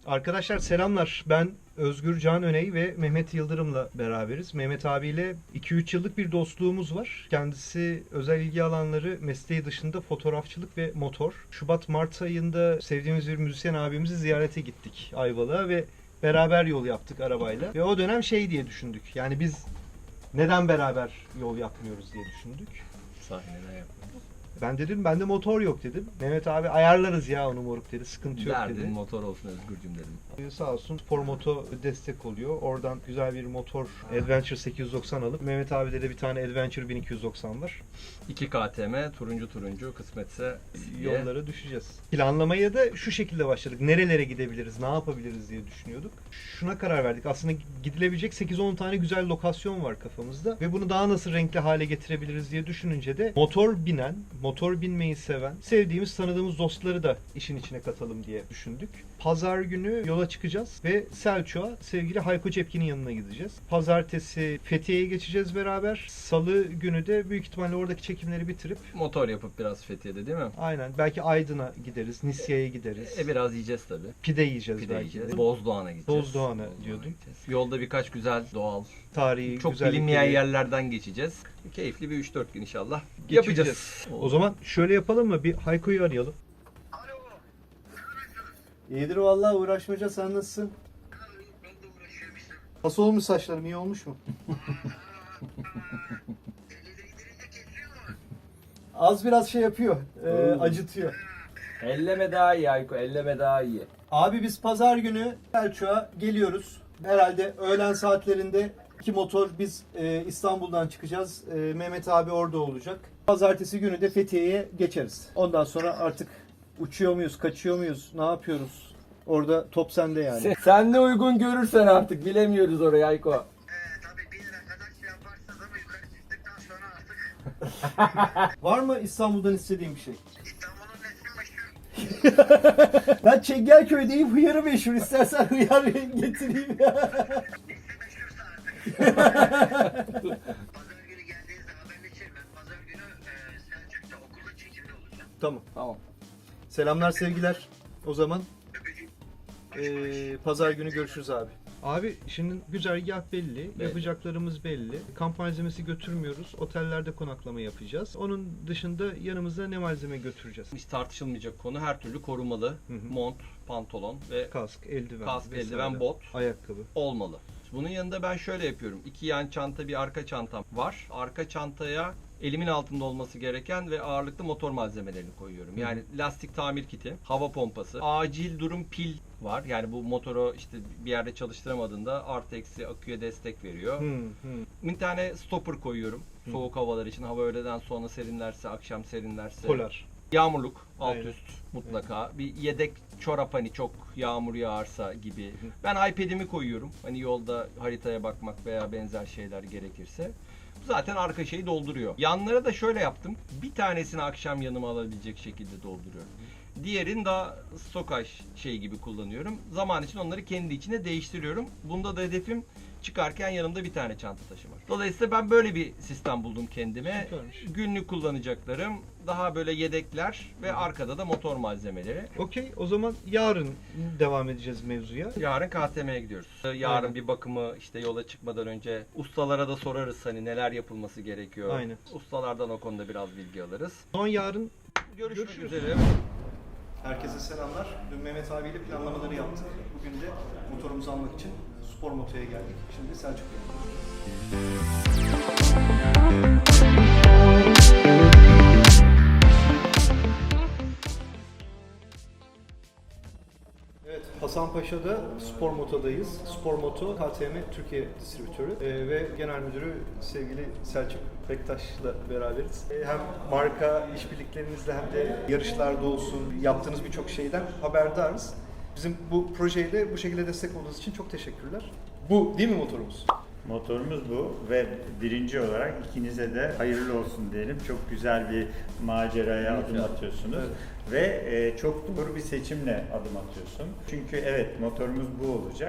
Arkadaşlar selamlar. Ben Özgür Can Öney ve Mehmet Yıldırım'la beraberiz. Mehmet abiyle 2-3 yıllık bir dostluğumuz var. Kendisi özel ilgi alanları mesleği dışında fotoğrafçılık ve motor. Şubat-Mart ayında sevdiğimiz bir müzisyen abimizi ziyarete gittik Ayvalık'a ve beraber yol yaptık arabayla. Ve o dönem şey diye düşündük. Yani biz neden beraber yol yapmıyoruz diye düşündük. Sahneden yapmıyoruz. Ben dedim bende motor yok dedim. Mehmet abi ayarlarız ya onu moruk dedi. Sıkıntı yok dedi. Derdin motor olsun Özgürcüm dedim. Sağ olsun Spor Moto destek oluyor. Oradan güzel bir motor Adventure 890 alıp Mehmet abi de bir tane Adventure 1290 var. 2 KTM turuncu kısmetse Yollara düşeceğiz. Planlamaya da şu şekilde başladık. Nerelere gidebiliriz, ne yapabiliriz diye düşünüyorduk. Şuna karar verdik. Aslında gidilebilecek 8-10 tane güzel lokasyon var kafamızda. Ve bunu daha nasıl renkli hale getirebiliriz diye düşününce de motor binen, motor binmeyi seven, sevdiğimiz, tanıdığımız dostları da işin içine katalım diye düşündük. Pazar günü yola çıkacağız ve Selçuk'a sevgili Hayko Cepkin'in yanına gideceğiz. Pazartesi Fethiye'ye geçeceğiz beraber. Salı günü de büyük ihtimalle oradaki çekimleri bitirip motor yapıp biraz Fethiye'de değil mi? aynen belki Aydın'a gideriz, Nisya'ya gideriz. Biraz yiyeceğiz tabii. Pide yiyeceğiz Pide belki yiyeceğiz. de. Bozdoğan'a gideceğiz. Bozdoğan'a diyordun. gideceğiz. Yolda birkaç güzel doğal, Tarihi, çok güzellikleri bilinmeyen yerlerden geçeceğiz. Keyifli bir 3-4 gün inşallah geçireceğiz. yapacağız. O zaman şöyle yapalım mı? Bir Hayko'yu arayalım. Alo. İyidir vallahi uğraşmaca, sen nasılsın? Ben de uğraşıyorum işte. Nasıl olmuş saçlarım, iyi olmuş mu? Eli değdirince kesiyor mu? Az biraz şey yapıyor, acıtıyor. Elleme daha iyi Ayko, elleme daha iyi. Abi biz pazar günü Selçuk'a geliyoruz. Herhalde öğlen saatlerinde iki motor biz İstanbul'dan çıkacağız. Mehmet abi orada olacak. Pazartesi günü de Fethiye'ye geçeriz. Ondan sonra artık uçuyor muyuz, kaçıyor muyuz, ne yapıyoruz? Orada top sende yani. Sen de uygun görürsen artık bilemiyoruz orayı Ayko. Tabii bir yere kadar şey yaparsınız ama yukarı çıktıktan sonra artık Var mı İstanbul'dan istediğin bir şey? İstanbul'un nesli meşhur. Ben Çengelköy'deyim, hıyarı meşhur. İstersen hıyar getireyim. Nesli meşhursa artık. Pazar günü geldiğinizde haberleşelim. Ben pazar günü Selçuk'ta okulda çekimde olacağım. Tamam. Tamam. Selamlar, sevgiler. O zaman Öpücük. pazar günü görüşürüz abi. Abi şimdi güzergah belli, Belli. yapacaklarımız belli. Kamp malzemesi götürmüyoruz, otellerde konaklama yapacağız. Onun dışında yanımızda ne malzeme götüreceğiz? Hiç tartışılmayacak konu, her türlü korumalı Hı hı. mont, pantolon ve Kask, eldiven, kask, vesaire. eldiven, bot ayakkabı. olmalı. Bunun yanında ben şöyle yapıyorum. 2 yan çanta, bir arka çantam var. Arka çantaya elimin altında olması gereken ve ağırlıklı motor malzemelerini koyuyorum. Yani lastik tamir kiti, hava pompası, acil durum pil var. Yani bu motoru işte bir yerde çalıştıramadığında artı eksi aküye destek veriyor. Bir tane stopper koyuyorum. Soğuk havalar için, hava öğleden sonra serinlerse, akşam serinlerse. Polar. Yağmurluk, alt Aynen. üst mutlaka. Bir yedek çorap, hani çok yağmur yağarsa gibi. Ben iPad'imi koyuyorum. Hani yolda haritaya bakmak veya benzer şeyler gerekirse. Bu zaten arka şeyi dolduruyor. Yanlara da şöyle yaptım. Bir tanesini akşam yanıma alabilecek şekilde dolduruyorum. Diğerini daha stokaj şey gibi kullanıyorum. Zaman için onları kendi içine değiştiriyorum. Bunda da hedefim çıkarken yanımda bir tane çanta taşımak. Dolayısıyla ben böyle bir sistem buldum kendime. Süpermiş. Günlük kullanacaklarım, daha böyle yedekler ve arkada da motor malzemeleri. Okey, o zaman yarın devam edeceğiz mevzuya. Yarın KTM'ye gidiyoruz. Yarın Aynen. bir bakımı işte yola çıkmadan önce ustalara da sorarız hani neler yapılması gerekiyor. Aynen. Ustalardan o konuda biraz bilgi alırız. Son yarın Görüşmek Görüşürüz. üzere. herkese selamlar. Dün Mehmet abiyle planlamaları yaptık. Bugün de motorumuzu almak için Spor Moto'ya geldik. Şimdi Selçuk'a gidiyoruz. Evet, Hasanpaşa'da Spor Moto'dayız. Spor Moto KTM Türkiye distribütörü ve genel müdürü sevgili Selçuk Bektaş'la beraberiz. Hem marka işbirliklerinizle hem de yarışlarda olsun yaptığınız birçok şeyden haberdarız. Bizim bu projeyle bu şekilde destek olduğunuz için çok teşekkürler. Bu değil mi motorumuz? Motorumuz bu ve birinci olarak ikinize de hayırlı olsun diyelim. Çok güzel bir maceraya adım atıyorsunuz ve çok doğru bir seçimle adım atıyorsun. Çünkü evet motorumuz bu olacak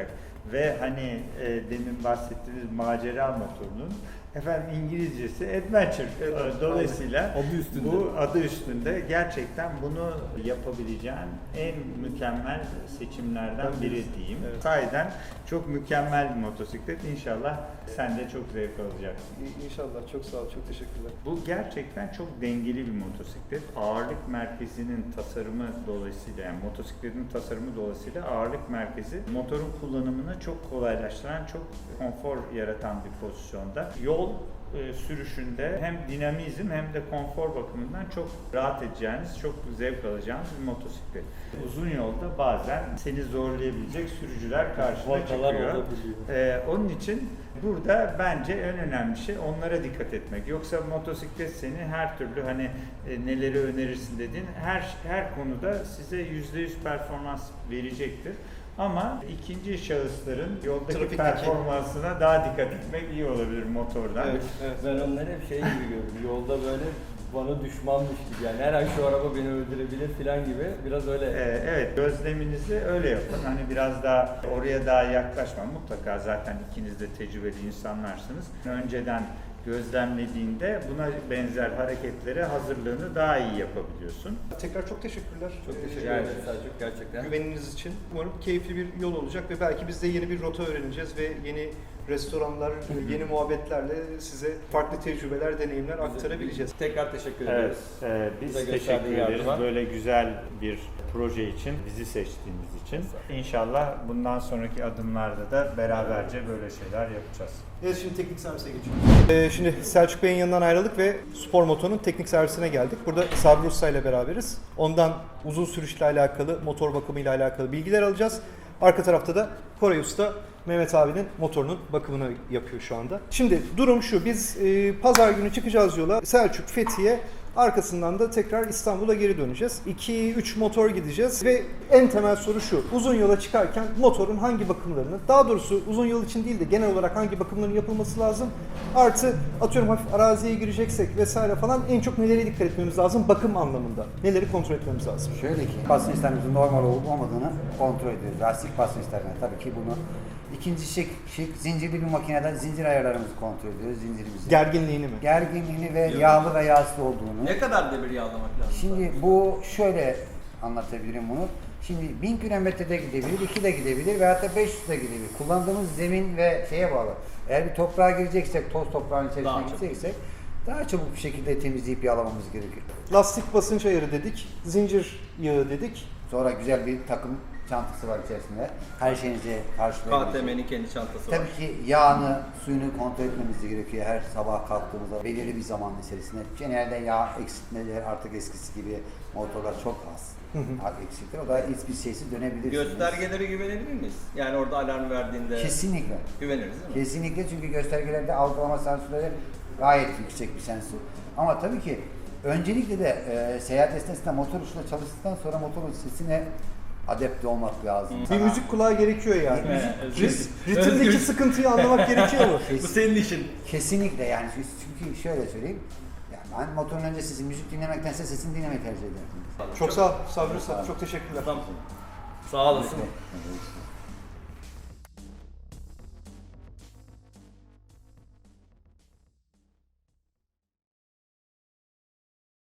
ve hani demin bahsettiğimiz macera motorunun efendim İngilizcesi adventure. Dolayısıyla Adı üstünde. bu adı üstünde gerçekten bunu yapabileceğin en mükemmel seçimlerden biri diyeyim. Evet. Sahiden çok mükemmel bir motosiklet. İnşallah sen de çok zevk alacaksın. İnşallah. Çok sağ ol. Çok teşekkürler. Bu gerçekten çok dengeli bir motosiklet. Ağırlık merkezinin tasarımı dolayısıyla, yani motosikletin tasarımı dolayısıyla ağırlık merkezi motorun kullanımını çok kolaylaştıran, çok konfor yaratan bir pozisyonda. Yol sürüşünde hem dinamizm hem de konfor bakımından çok rahat edeceğiniz, çok zevk alacağınız bir motosiklet. Uzun yolda bazen seni zorlayabilecek sürücüler karşına Vakalar çıkıyor. olabiliyor. Onun için burada bence en önemli şey onlara dikkat etmek. Yoksa motosiklet seni her türlü hani neleri önerirsin dediğin her konuda size %100 performans verecektir. Ama ikinci şahısların yoldaki Trafikteki- performansına daha dikkat etmek iyi olabilir motordan. Evet. Ben onları hep şey gibi görüyorum. Yolda böyle bana düşmanmış gibi, yani her an şu araba beni öldürebilir falan gibi, biraz öyle. Evet, gözleminizi öyle yapın. Hani biraz daha oraya daha yaklaşma. Mutlaka zaten ikiniz de tecrübeli insanlarsınız. Önceden gözlemlediğinde buna benzer hareketlere hazırlığını daha iyi yapabiliyorsun. Tekrar çok teşekkürler. Çok teşekkür Ee, ederim Selçuk, gerçekten. Güveniniz için. Umarım keyifli bir yol olacak ve belki biz de yeni bir rota öğreneceğiz ve yeni restoranlar, yeni muhabbetlerle size farklı tecrübeler, deneyimler aktarabileceğiz. Tekrar teşekkür Evet, ederiz. biz Bize teşekkür gösterdiğin ederiz yardıma. böyle güzel bir proje için, bizi seçtiğiniz için. İnşallah bundan sonraki adımlarda da beraberce böyle şeyler yapacağız. Evet, şimdi teknik servise geçiyoruz. Şimdi Selçuk Bey'in yanından ayrıldık ve Spor Moto'nun teknik servisine geldik. Burada Sabri Usta ile beraberiz. Ondan uzun sürüşle alakalı, motor bakımıyla alakalı bilgiler alacağız. Arka tarafta da Koray Usta Mehmet abinin motorunun bakımını yapıyor şu anda. Şimdi durum şu, biz pazar günü çıkacağız yola. Selçuk, Fethiye, arkasından da tekrar İstanbul'a geri döneceğiz. 2-3 motor gideceğiz ve en temel soru şu: uzun yola çıkarken motorun hangi bakımlarını, daha doğrusu uzun yol için değil de genel olarak hangi bakımların yapılması lazım? Artı atıyorum hafif araziye gireceksek vesaire falan en çok nelere dikkat etmemiz lazım bakım anlamında? Neleri kontrol etmemiz lazım? Şöyle ki basınçlarımızın normal olup olmadığını kontrol ediyoruz. Lastik basınçlarına tabii ki bunu. İkinci şık zincirli bir makinede zincir ayarlarımızı kontrol ediyoruz. Zincirimizi. Gerginliğini mi? Gerginliğini ve yağlı ve yağsız olduğunu. Ne kadar demir yağlamak lazım? Şimdi bu şöyle anlatabilirim bunu. Şimdi 1000 kilometrede gidebilir, 2 de gidebilir veyahut da 500 de gidebilir. Kullandığımız zemin ve şeye bağlı. Eğer bir toprağa gireceksek, toz toprağın içerisine Daha çok. gideceksek daha çabuk bir şekilde temizleyip yağlamamız gerekiyor. Lastik basınç ayarı dedik, zincir yağı dedik. Sonra güzel bir takım çantası var içerisinde. Her şeyinizi karşılayabilecek. KTM'nin kendi çantası var. Tabii ki yağını, suyunu kontrol etmemiz gerekiyor her sabah kalktığımızda belirli bir zaman içerisinde. Genelde yağ eksiltmeleri artık eskisi gibi motorlar çok az. Eksiltir. O da hiçbir şeysiz dönebilirsiniz. Göstergelere güvenebilir miyiz? Yani orada alarm verdiğinde Kesinlikle. güveniriz değil mi? Kesinlikle, çünkü göstergelerde algılama sensörleri gayet yüksek bir sensör. Ama tabii ki öncelikle de seyahat esnasında motor uçla çalıştıktan sonra motorun sesine adapte olmak lazım. Bir müzik kulağı gerekiyor yani. Evet, Ritimdeki sıkıntıyı anlamak gerekiyor mu? Bu senin işin. Kesinlikle, yani çünkü şöyle söyleyeyim. Yani ben motorun öncesi müzik dinlemektense sesini dinlemeyi tercih ederim. Çok sağ ol Sabri Usta, çok teşekkürler. Sağ olasın. Evet.